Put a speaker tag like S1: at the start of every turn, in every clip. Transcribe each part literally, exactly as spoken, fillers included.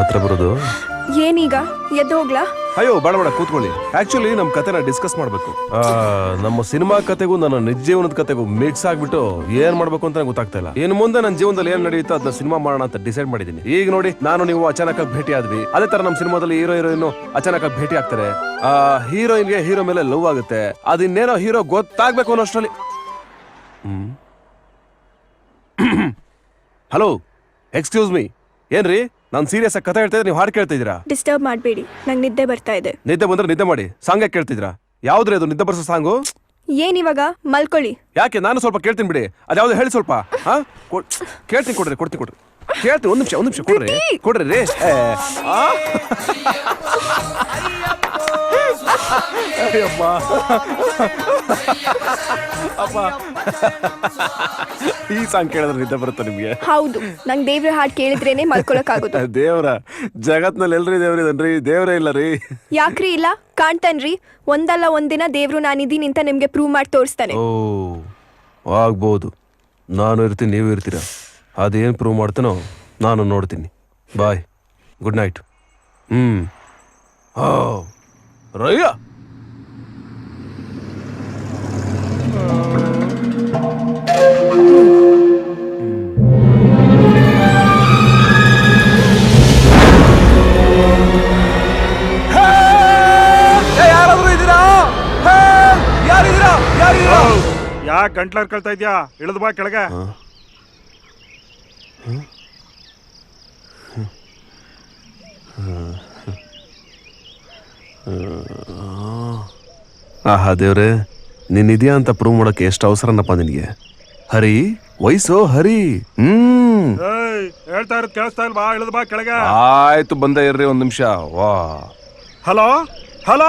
S1: ಹತ್ರ ಬರೋದು.
S2: ಏನೀಗ ಎದ್ದು ಹೋಗ್ಲಾ?
S1: ಅಯ್ಯೋ ಬೇಡ ಬೇಡ ಕೂತ್ಕೊಳ್ಳಿ. ಆಕ್ಚುಲಿ ನಮ್ ಕತೆನ ಡಿಸ್ಕಸ್ ಮಾಡ್ಬೇಕು. ನಮ್ಮ ಸಿನಿಮಾ ಕತೆಗೂ ನನ್ನ ನಿಜ ಜೀವನದ ಕತೆಗೂ ಮಿಕ್ಸ್ ಆಗ್ಬಿಟ್ಟು ಏನ್ ಮಾಡ್ಬೇಕು ಅಂತ ಗೊತ್ತಾಗ್ತಾ ಇಲ್ಲ. ಇನ್ನು ಮುಂದೆ ನನ್ನ ಜೀವನದಲ್ಲಿ ಏನ್ ನಡೆಯುತ್ತೋ ಅದನ್ನ ಸಿನಿಮಾ ಮಾಡೋಣ ಅಂತ ಡಿಸೈಡ್ ಮಾಡಿದೀನಿ. ಈಗ ನೋಡಿ, ನಾನು ನೀವು ಅಚಾನಕ್ ಆಗಿ ಭೇಟಿ ಆದ್ವಿ. ಅದೇ ತರ ನಮ್ಮ ಸಿನಿಮಾದಲ್ಲಿ ಹೀರೋ ಹೀರೋಯಿನ್ ಅಚಾನಕ್ ಆಗಿ ಭೇಟಿ ಆಗ್ತಾರೆ. ಆ ಹೀರೋಯಿನ್ಗೆ ಹೀರೋ ಮೇಲೆ ಲವ್ ಆಗುತ್ತೆ. ಅದಿನ್ನೇನೋ ಹೀರೋ ಗೊತ್ತಾಗ್ಬೇಕು ಅನ್ನೋಷ್ಟರಲ್ಲಿ. ಹ್ಮ್ ಹಲೋ, ಎಕ್ಸ್ಕ್ಯೂಸ್ ಮೀ, ಏನ್ರಿ ನಾನು ಸೀರಿಯಸ್ ಆಗಿ ಕತೆ ಹೇಳ್ತಾ ಇದ್ರೆ ನೀವು ಹಾಡು ಕೇಳ್ತಾ ಇದೀರಾ?
S2: ಡಿಸ್ಟರ್ಬ್ ಮಾಡಬೇಡಿ, ನಂಗೆ ನಿದ್ದೆ ಬರ್ತಾ ಇದೆ.
S1: ನಿದ್ದೆ ಬಂದ್ರೆ ನಿದ್ದೆ ಮಾಡಿ. ಸಾಂಗ್ ಯಾಕೆ ಕೇಳ್ತಿದ್ರಾ? ಯಾವ್ದ್ರಿ ಅದು ನಿದ್ದೆ ಬರ್ಸೋ ಸಾಂಗು?
S2: ಏನಿವಾಗ ಮಲ್ಕೊಳ್ಳಿ.
S1: ಯಾಕೆ? ನಾನು ಸ್ವಲ್ಪ ಕೇಳ್ತೀನಿ ಬಿಡಿ. ಅದ್ಯಾವ್ದು ಹೇಳಿ ಸ್ವಲ್ಪ. ಹಾ ಕೇಳ್ತೀನಿ, ಕೊಡ್ರಿ ಕೊಡ್ತೀನಿ ಕೊಡ್ರಿ ಕೇಳ್ತೀನಿ. ಒಂದ್ ನಿಮಿಷ ಒಂದ್ ನಿಮಿಷ ಕೊಡ್ರಿ ಕೊಡ್ರಿ ರೀ. ಅಪ್ಪ, ಈ ಸಾಂಗ್ ಕೇಳಿದ್ರೆ ನಿದ್ದೆ ಬರುತ್ತೆ ನಿಮ್ಗೆ?
S2: ಹೌದು, ನಂಗೆ ದೇವ್ರ ಹಾಡು ಕೇಳಿದ್ರೇನೆ ಮಲ್ಕೊಳಕ್ ಆಗೋದು.
S1: ದೇವ್ರ ಜಗತ್ನಲ್ಲಿ ಎಲ್ರಿ ದೇವ್ರಿದನ್ರಿ, ದೇವ್ರೇ ಇಲ್ಲ ರೀ.
S2: ಯಾಕ್ರಿ ಇಲ್ಲ? ಕಾಣ್ತಾನ್ರಿ, ಒಂದಲ್ಲ ಒಂದಿನ ದೇವ್ರು ನಾನಿದ್ದೀನಿ ಅಂತ ನಿಮ್ಗೆ ಪ್ರೂವ್ ಮಾಡಿ ತೋರಿಸ್ತಾನೆ.
S1: ಓ ಆಗ್ಬೋದು. ನಾನು ಇರ್ತೀನಿ, ನೀವು ಇರ್ತೀರ. ಅದೇನು ಪ್ರೂವ್ ಮಾಡ್ತಾನೋ ನಾನು ನೋಡ್ತೀನಿ. ಬಾಯ್, ಗುಡ್ ನೈಟ್. ಹ್ಮ್ ಓ ರಯ್ಯ, ಯಾರಾದ್ರೂ ಇದ್ದೀರಾ? ಯಾರಿದ್ದೀರಾ? ಯಾರಿದ್ದೀರಾ?
S3: ಯಾಕೆ ಗಂಟ್ಲರ್ ಕಳ್ತಾ ಇದ್ಯಾ? ಇಳಿದು ಬಾ ಕೆಳಗೆ.
S1: ಆಹಾ ದೇವ್ರೆ, ನೀನ್ ಇದೆಯಾ ಅಂತ ಪ್ರೂವ್ ಮಾಡಕ್ಕೆ ಎಷ್ಟು ಅವಸರನಪ್ಪ ನಿನಗೆ. ಹರಿ ವಯಸ್ಸು ಹರಿ. ಹ್ಮ್
S3: ಹೇಳ್ತಾ ಇರೋದು ಕೇಳಿಸ್ತಾ ಇಲ್ವಾ? ಇಳಿದು ಬಾ ಕೆಳಗೆ.
S1: ಆಯ್ತು, ಬಂದ ಇರ್ರಿ ಒಂದ್ ನಿಮಿಷ. ವಾ
S3: ಹಲೋ ಹಲೋ,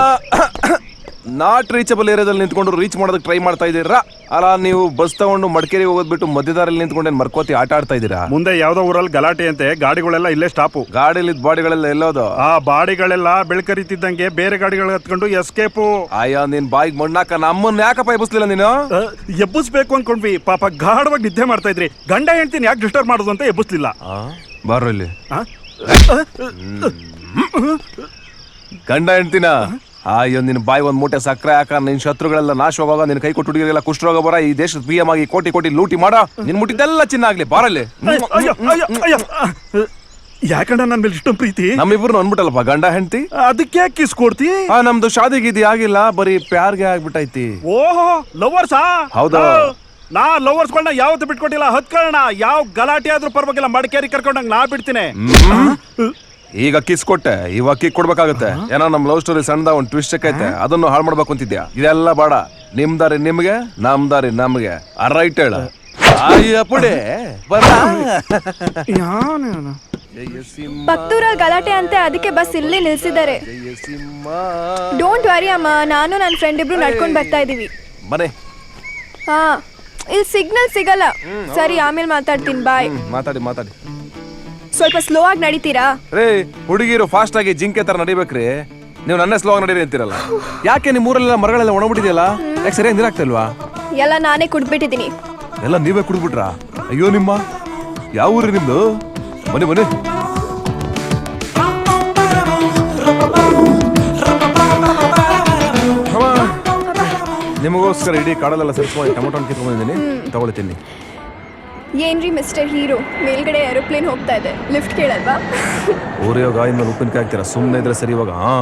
S1: ನಾಟ್ ರೀಚಬಲ್ ಏರಿಯಾದಲ್ಲಿ ನಿಂತ್ಕೊಂಡು ರೀಚ್ ಮಾಡೋದಕ್ಕೆ ಟ್ರೈ ಮಾಡ್ತಾ ಇದ್ದೀರಾ? ಅಲ್ಲ, ನೀವು ಬಸ್ ತಗೊಂಡು ಮಡಿಕೇರಿ ಹೋಗೋದ್ಬಿಟ್ಟು ಮಧ್ಯದಾರಲ್ಲಿ ನಿಂತ್ಕೊಂಡೇನ್ ಮರ್ಕೋತಿ ಆಟ ಆಡ್ತಾ ಇದ್ದೀರಾ?
S3: ಮುಂದೆ ಯಾವ್ದೋ ಊರಲ್ಲಿ ಗಲಾಟೆ ಅಂತೆ, ಗಾಡಿಗಳೆಲ್ಲ ಇಲ್ಲೇ ಸ್ಟಾಪು.
S1: ಗಾಡಿಲಿ ಬಾಡಿಗಳೆಲ್ಲ ಎಲ್ಲೋದು?
S3: ಆ ಬಾಡಿಗಳೆಲ್ಲ ಬೆಳ್ಕರಿತಿದ್ದಂಗೆ ಬೇರೆ ಗಾಡಿಗಳು ಹತ್ಕೊಂಡು ಎಸ್ಕೇಪು.
S1: ಅಯ್ಯೋ, ನಿನ್ ಬಾಯಿಗೆ ಮಣ್ಣಾಕ ನಮ್ಮನ್ನ ಯಾಕಪ್ಪ ಎಬ್ಬಿಸ್ಲಿಲ್ಲ ನೀನು?
S3: ಎಬ್ಬಿಸ್ಬೇಕು ಅನ್ಕೊಂಡ್ವಿ, ಪಾಪ ಗಾಢವಾಗಿ ನಿದ್ದೆ ಮಾಡ್ತಾ ಇದ್ರಿ. ಗಂಡ ಹೇಳ್ತೀನಿ ಯಾಕೆ ಡಿಸ್ಟರ್ಬ್ ಮಾಡೋದು ಅಂತ ಎಬ್ಬಿಸ್ಲಿಲ್ಲ.
S1: ಬಾರೋ ಇಲ್ಲಿ. ಗಂಡ ಹೆಂಡ್ತಿನ? ಅಯ್ಯೋ, ನಿನ್ ಬಾಯಿ ಒಂದ್ ಮೂಟೆ ಸಕ್ಕರೆ ಹಾಕ. ನಿನ್ ಶತ್ರುಗಳೆಲ್ಲ ನಾಶವಾಗ, ನಿನ್ ಕೈ ಕೊಟ್ಟು ಹುಡುಗಿರೆಲ್ಲ ಕುಷ್ಠರೋಗ ಬರ, ಈ ದೇಶದ ಪಿ ಎಂ ಆಗಿ ಕೋಟಿ ಕೋಟಿ ಲೂಟಿ ಮಾಡ, ನಿನ್ ಮುಟ್ಟಿದ್ದೆಲ್ಲ ಚಿನ್ನ ಆಗ್ಲಿ. ಬಾರಲ್ಲಿ.
S3: ಯಾಕಂಡ ನನ್ ಮೇಲೆ ಇಷ್ಟೊಂದು ಪ್ರೀತಿ?
S1: ನಮ್ಮಿಬ್ರು ಅನ್ಬಿಟ್ಟಲ್ಲಪ್ಪ ಗಂಡ ಹೆಂಡ್ತಿ.
S3: ಅದಕ್ಕೆ ಕಿಸ್ ಕೊಡ್ತಿ?
S1: ನಮ್ದು ಶಾದಿ ಗೀದಿ ಆಗಿಲ್ಲ, ಬರೀ ಪ್ಯಾರ್ಗೆ ಆಗ್ಬಿಟ್ಟೈತಿ.
S3: ಓಹೋ, ಲವರ್ಸಾ?
S1: ಹೌದಾ?
S3: ನಾ ಲವರ್ಸ್ಗಳನ್ನ ಯಾವತ್ತು ಬಿಟ್ಕೊಟ್ಟಿಲ್ಲ. ಹತ್ಕೊಳ್ಳೋಣ, ಯಾವ ಗಲಾಟೆ ಆದ್ರೂ ಪರವಾಗಿಲ್ಲ, ಮಡಿಕೇರಿ ಕರ್ಕೊಂಡಂಗ್ ನಾ ಬಿಡ್ತೀನಿ.
S1: ಈಗ ಕಿಸ್ ಕೊಟ್ಟೆ, ಇವಾಗ ಕಿಕ್ ಕೊಡ್ಬೇಕಾಗತ್ತೆ. ಏನೋ ನಮ್ ಲವ್ ಸ್ಟೋರಿ ಸಣ್ಣದ ಒಂದ್ ಟ್ವಿಸ್ಟ್ ಐತೆ, ಅದನ್ನು ಹಾಳು ಮಾಡ್ಬೇಕು ಅಂತಿದ್ಯಾ? ಇದೆಲ್ಲ ಬೇಡ. ನಿಮ್ ದಾರಿ ನಿಮ್ಗೆ, ನಮ್ ದಾರಿ ನಮ್ಗೆ. ರೈಟ್ ಹೇಳ. ಅಯ್ಯಪ್ಪಡೆ
S2: ಪತ್ತೂರಲ್ಲಿ ಗಲಾಟೆ ಅಂತೆ, ಅದಕ್ಕೆ ಬಸ್ ಇಲ್ಲಿ ನಿಲ್ಸಿದ್ದಾರೆ. ಡೋಂಟ್ ವರಿ ಅಮ್ಮ, ನಾನು ನನ್ನ ಫ್ರೆಂಡ್ ಇಬ್ರು ನಡ್ಕೊಂಡ್ ಬರ್ತಾ ಇದೀವಿ.
S1: ಮನೆ
S2: ಹಾ, ಇಲ್ಲಿ ಸಿಗ್ನಲ್ ಸಿಗಲ್ಲ. ಸರಿ, ಆಮೇಲೆ ಮಾತಾಡ್ತೀನಿ. ಬಾಯ್.
S1: ಮಾತಾಡಿ ಮಾತಾಡಿ.
S2: ಸ್ವಲ್ಪ ಸ್ಲೋ ಆಗಿ ನಡೀತೀರಾ?
S1: ರೇ, ಹುಡುಗಿರು ಫಾಸ್ಟ್ ಆಗಿ ಜಿಂಕೆ ತರ ನಡಿಬೇಕ್ರಿ. ನೀವು ನನ್ನೇ ಸ್ಲೋ ಆಗಿ ನಡೀರಿ ಅಂತೀರಲ್ಲ. ಯಾಕೆ ನಿಮ್ ಊರಲ್ಲೆಲ್ಲ ಮರಗಳೆಲ್ಲ ಒಣಬಿಟ್ಟಿದೆಯಲ್ಲ? ಯಾಕೆ ಸರಿಯಾಗಿ ನೀರಾಗ್ತಿಲ್ವಾ?
S2: ಎಲ್ಲ ನಾನೇ ಕುಡ್ಬಿಟ್ಟಿದ್ದೀನಿ.
S1: ಎಲ್ಲ ನೀವೇ ಕುಡ್ಬಿಟ್ರಾ? ಅಯ್ಯೋ, ನಿಮ್ಮ ಯಾವ ಊರಿ ನಿಮ್ದು? ಬನ್ನಿ ಬನ್ನಿ. ನಿಮಗೋಸ್ಕರ ಇಡೀ ಕಾಡಲ್ಲೆಲ್ಲ ಸೇರಿಸ್ಕೊಂಡು ಟೊಮೊಟೊ ಕಿತ್ಕೊಂಡಿದ್ದೀನಿ, ತಗೊಳ್ತೀನಿ.
S2: ಏನ್ರಿ ಮಿಸ್ಟರ್ ಹೀರೋ, ಮೇಲ್ಗಡೆ ಏರೋಪ್ಲೇನ್ ಹೋಗ್ತಾ ಇದೆ, ಲಿಫ್ಟ್ ಕೇಳಲ್ವಾ?
S1: ಊರಿಯೋ ಗಾಯ ಮೇಲೆ ಉಪ್ಪಿನಕಾಯಿ ಹಾಕ್ತೀರಾ? ಸುಮ್ಮನೆ ಇದ್ರೆ ಸರಿ. ಇವಾಗ ಹಾ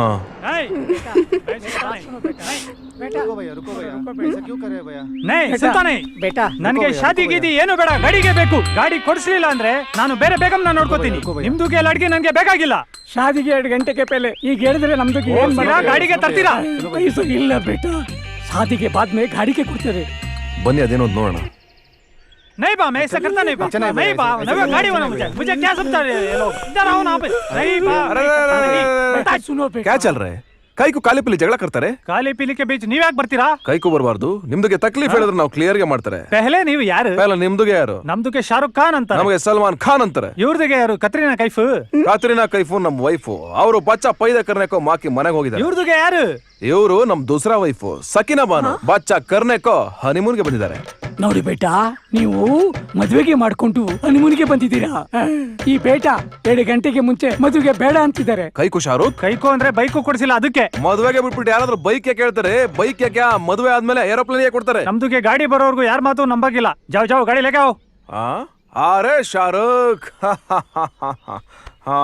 S4: ನನಗೆ ಶಾದಿ ಗೀದಿ ಏನು ಬೇಡ, ಗಾಡಿಗೆ ಬೇಕು. ಗಾಡಿ ಕೊಡಿಸ್ಲಿಲ್ಲ ಅಂದ್ರೆ ನಾನು ಬೇರೆ ಬೇಗಂ ನಾನು ನೋಡ್ಕೋತೀನಿ. ನಿಮ್ದುಗೆ ಅಡ್ಗೆ ನನ್ಗೆ ಬೇಕಾಗಿಲ್ಲ. ಶಾದಿಗೆ ಎರಡು ಗಂಟೆಗೆ ಪೇಲೆ ಈಗ ಹೇಳಿದ್ರೆ ನಮ್ದು ಗಾಡಿಗೆ ತರ್ತೀರಾ? ಇಲ್ಲ ಬೇಟ, ಶಾದಿಗೆ ಬಾದ್ಮೇ ಗಾಡಿಗೆ ಕೊಡ್ತಾರೆ.
S1: ಬನ್ನಿ, ಅದೇನೋ ನೋಡೋಣ.
S4: नहीं बा, मैं ऐसा करता नहीं बा, नहीं बा, नहीं गाड़ी वाला मुझे मुझे क्या समझा रहे ये लोग? इधर आओ ना पे. नहीं बा, बेटा सुनो बेटा,
S1: क्या चल रहा है? ಕೈ ಕು ಕಾಲಿ ಪಿಲಿ ಜಗಳ ಕರ್ತಾರೆ.
S4: ಕಾಲಿ ಪಿಲಿ ಕೆ ಬೀಚ್ ನೀವ್ ಯಾಕೆ ಬರ್ತೀರಾ?
S1: ಕೈಕು ಬರಬಾರ್ದು. ನಿಮ್ದುಗೆ ತಕ್ಲೀಫ್ ಹೇಳಿದ್ರೆ ನಾವು ಕ್ಲಿಯರ್ ಗೆ ಮಾಡ್ತಾರೆ.
S4: ಪೆಹಲೆ ನೀವು ಯಾರು?
S1: ಪೆಹಲೆ ನಿಮ್ದುಗೆ ಯಾರು?
S4: ನಮ್ದುಗೆ ಶಾರುಖ್ ಖಾನ್ ಅಂತ,
S1: ನಮಗೆ ಸಲ್ಮಾನ್ ಖಾನ್ ಅಂತಾರೆ.
S4: ಇವ್ರದಿಗೆ ಯಾರು? ಕತ್ರಿನಾ ಕೈಫ್.
S1: ಕತ್ರಿನಾ ಕೈಫು ನಮ್ ವೈಫು. ಅವರು ಬಚ್ಚ ಪೈದ ಕರ್ನೆಕೋ ಮಾಕಿ ಮನೆಗೆ ಹೋಗಿದ್ದಾರೆ.
S4: ಇವ್ರದಿಗೆ ಯಾರು?
S1: ಇವರು ನಮ್ ದೂಸರಾ ವೈಫು ಸಕಿನಾ ಬಾನು. ಬಚ್ಚ ಕರ್ನೆಕೋ ಹನಿಮೂನ್ಗೆ ಬಂದಿದ್ದಾರೆ.
S4: ನೋಡಿ ಬೇಟಾ, ನೀವು ಮದುವೆಗೆ ಮಾಡ್ಕೊಂಡು ಹನಿಮೂನಿಗೆ ಬಂದಿದ್ದೀರಾ. ಈ ಬೇಟ ಎರಡು ಗಂಟೆಗೆ ಮುಂಚೆ ಮದುವೆಗೆ ಬೇಡ ಅಂತಿದ್ದಾರೆ.
S1: ಕೈಕು ಶಾರುಖ್,
S4: ಕೈಕೋ ಅಂದ್ರೆ ಬೈಕು ಕೊಡ್ಸಿಲ್ಲ ಅದಕ್ಕೆ.
S1: ಮದುವೆಗೆ ಬಿಟ್ಬಿಟ್ಟು ಯಾರಾದ್ರೂ ಬೈಕ್ ಯಾಕೆ ಹೇಳ್ತಾರೆ? ಬೈಕ್ ಯಾಕೆ? ಮದುವೆ ಆದ್ಮೇಲೆ ಏರೋಪ್ಲೇನ್ ಯಾಕೆ ಕೊಡ್ತಾರೆ?
S4: ನಮ್ದುಗೆ ಗಾಡಿ ಬರೋರ್ಗು ಯಾರ ಮಾತು ನಂಬಾಗಿಲ್ಲ. ಜಾವ್ ಜಾವ್ ಗಾಡಿ ಲೆಗಾವ್.
S1: ಆ? ಅರೆ ಶಾರುಖ್, ಹಾ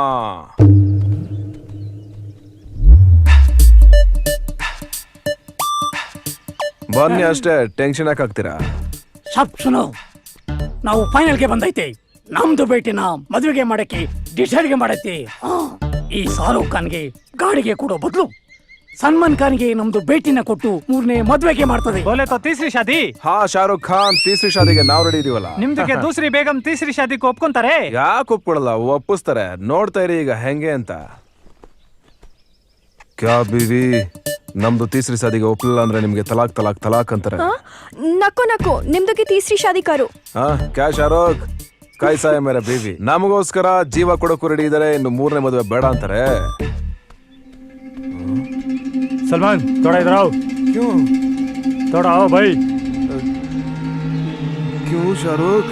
S1: ಬನ್ನಿ ಅಷ್ಟೇ, ಟೆನ್ಷನ್ ಯಾಕೆ ಆಗ್ತೀರಾ?
S4: ಸಬ್ ಸುನೋ, ನಾವು ಫೈನಲ್ಗೆ ಬಂದೈತೆ. ನಮ್ದು ಭೇಟಿನ ಮದುವೆಗೆ ಮಾಡಕ್ಕೆ ಡಿಸೈಡ್ಗೆ ಮಾಡೈತಿ. ಈ ಶಾರುಖ್ ಖಾನ್ಗೆ ಗಾಡಿಗೆ ಕೊಡೋ ಬದಲು ಸಲ್ಮಾನ್ ಖಾನ್ಗೆ ನಮ್ದು ಭೇಟಿನ ಕೊಟ್ಟು ಮೂರನೇ ಮದುವೆಗೆ ಮಾಡ್ತದೆ. ಬೋಲೆ ತೋ ತೀಸರಿ ಶಾದಿ.
S1: ಹಾ ಶಾರುಖ್ ಖಾನ್, ತೀಸರಿ ಶಾದಿಗೆ ನಾವು ರೆಡಿ ಇದೀವಲ್ಲ.
S4: ನಿಮ್ದಕ್ಕೆ ದೂಸರಿ ಬೇಗಂ ತೀಸರಿ ಶಾದಿಗೆ ಒಪ್ಕೊಂತಾರೆ.
S1: ಯಾಕೆ ಒಪ್ಕೊಳಲ್ಲ? ಒಪ್ಪಿಸ್ತಾರೆ. ನೋಡ್ತಾ ಇರಿ ಈಗ ಹೆಂಗೆ ಅಂತ. ಕ್ಯಾ ಬೀವಿ, ನಮ್ದು ತೀಸರಿ ಶಾದಿಗೆ ಒಪ್ಲಿಲ್ಲ ಅಂದ್ರೆ ನಿಮ್ಗೆ ತಲಾಕ್ ತಲಾಕ್ ತಲಾಕ್ ಅಂತಾರೆ.
S2: ನಕ್ಕು ನಕ್ಕು, ನಿಮ್ದಕ್ಕೆ ತೀಸರಿ ಶಾದಿ ಕಾರು.
S1: ಹಾ ಕ್ಯಾ ಶಾರುಖ್, ಕಾಯ್ಸಾಯ ಮೇರೆ ಬೀವಿ, ನಮಗೋಸ್ಕರ ಜೀವ ಕೊಡೋಕು ರೆಡಿ ಇದಾರೆ, ಇನ್ನು ಮೂರನೇ ಮದುವೆ ಬೇಡ ಅಂತಾರೆ.
S4: सलमान थोड़ा इधर आओ.
S1: क्यों?
S4: थोड़ा आओ भाई.
S1: क्यों शाहरुख?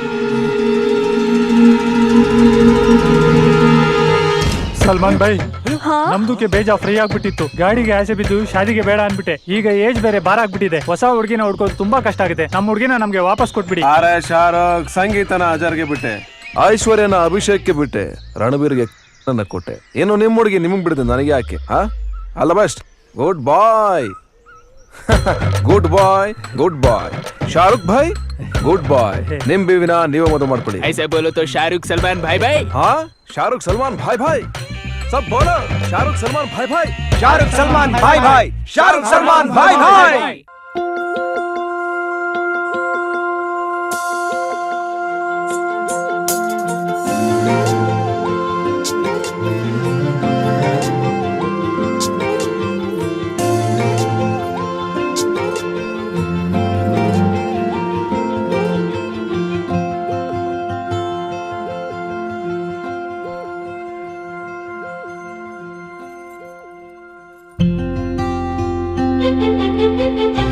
S4: ಸಲ್ಮಾನ್ ಭಾಯ್,
S2: ಹಾ?
S4: ನಮ್ದುಕ್ಕೆ ಬೇಜ ಫ್ರೀ ಆಗ್ಬಿಟ್ಟಿತ್ತು. ಗಾಡಿಗೆ ಆಸೆ ಬಿದ್ದು ಶಾದಿಗೆ ಬೇಡ ಅನ್ಬಿಟ್ಟೆ. ಈಗ ಏಜ್ ಬೇರೆ ಬಾರ ಆಗ್ಬಿಟ್ಟಿದೆ. ಹೊಸ ಹುಡುಗಿನ ಹುಡ್ಕೋದು ತುಂಬಾ ಕಷ್ಟ ಆಗಿದೆ. ನಮ್ಮ ಹುಡುಗಿನ ನಮ್ಗೆ ವಾಪಸ್ ಕೊಟ್ಬಿಡಿ.
S1: ಅರೆ ಶಾರುಖ್, ಸಂಗೀತನ ಅಜರ್ಗೆ ಬಿಟ್ಟೆ, ಐಶ್ವರ್ಯನ ಅಭಿಷೇಕ್ಗೆ ಬಿಟ್ಟೆ, ರಣಬೀರ್ಗೆ ನನ್ನ ಕೊಟ್ಟೆ. ಏನು ನಿಮ್ಮ ಹುಡುಗಿ ನಿಮಗ್ ಬಿಡಿದೆ, ನನಗೆ ಯಾಕೆ? ಹಾ ಅಲ್ಲ best. Good boy, good boy, good boy. Shahrukh ಭಾಯ್, ಗುಡ್ ಬಾಯ್. ನಿಮ್ ಬೀವಿನ ನೀವೇ ಮದುವೆ ಮಾಡ್ಕೊಳ್ಳಿ.
S5: ऐसे बोलो तो शाहरुख सलमान भाई भाई.
S1: ಹಾ ಶಾರುಖ್ ಸಲ್ಮಾನ್ ಭಾಯ್ ಭಾಯ್, ಸಬ್ ಬೋಲೋ ಶಾರುಖ್ ಸಲ್ಮಾನ್ ಭಾಯ್ ಭಾಯ್.
S3: ಶಾರುಖ್ ಸಲ್ಮಾನ್ ಭಾಯ್ ಭಾಯ್, ಶಾರುಖ್ ಸಲ್ಮಾನ್ ಭಾಯ್ ಭಾಯ್.
S6: Thank you.